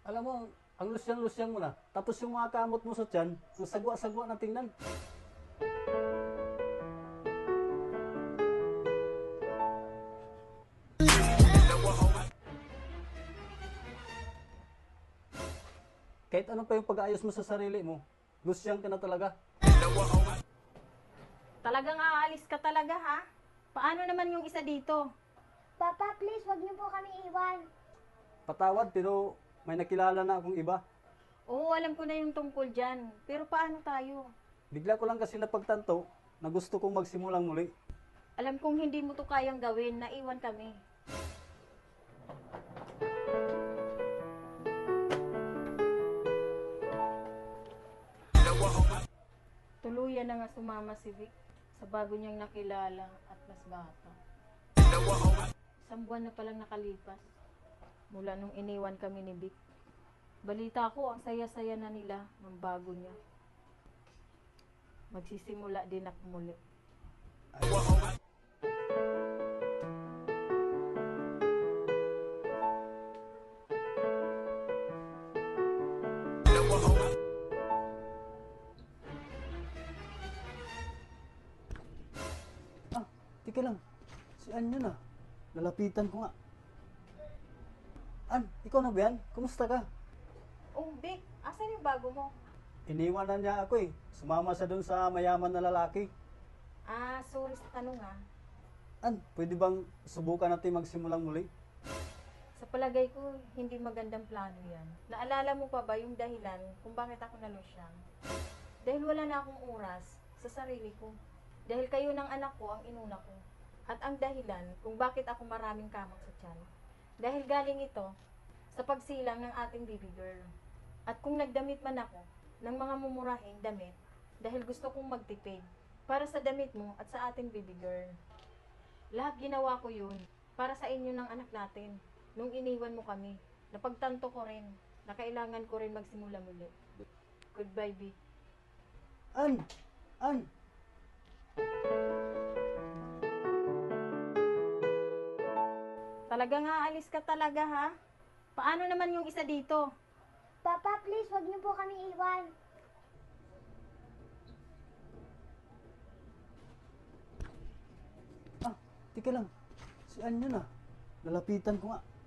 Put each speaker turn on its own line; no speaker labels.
Alam mo, ang lusyang-lusyang mo na. Tapos yung mga kamot mo sa tiyan, ang sagwa-sagwa na tingnan. Kahit ano pa yung pag-aayos mo sa sarili mo, lusyang ka na talaga.
Talagang aalis ka talaga, ha? Paano naman yung isa dito?
Papa, please, wag niyo po kami iwan.
Patawad, pero may nakilala na akong iba.
Oo, alam ko na yung tungkol dyan. Pero paano tayo?
Bigla ko lang kasi napagtanto na gusto kong magsimulang muli.
Alam kong hindi mo to kayang gawin, naiwan kami. Tuluyan na nga sumama si Vic sa bago niyang nakilala at mas bata. Isang buwan na palang nakalipas mula nung iniwan kami ni Vic. Balita ko, ang saya-saya na nila ng bago niya. Magsisimula din ako muli.
Ah, tika lang. Si An yun ah. Lalapitan ko nga. An, ikaw na ba yan? Kumusta ka?
Oh, Vic, asan yung bago mo?
Iniwan na niya ako eh. Sumama siya dun sa mayaman na lalaki.
Ah, sorry sa tanong ah.
An, pwede bang subukan natin magsimulang muli?
Sa palagay ko, hindi magandang plano yan. Naalala mo pa ba yung dahilan kung bakit ako nalusyang? Dahil wala na akong oras sa sarili ko. Dahil kayo ng anak ko ang inuna ko. At ang dahilan kung bakit ako maraming kamang sa tiyan. Dahil galing ito sa pagsilang ng ating baby girl. At kung nagdamit man ako ng mga mumurahing damit, dahil gusto kong magtipid para sa damit mo at sa ating baby girl. Lahat ginawa ko yun para sa inyo ng anak natin. Nung iniwan mo kami, napagtanto ko rin na kailangan ko rin magsimula muli. Goodbye, B.
An! An!
Talagang aalis ka talaga, ha? Paano naman yung isa dito?
Papa, please, wag niyo po kami iwan.
Ah, tika lang. Si An yun ah. Lalapitan ko nga.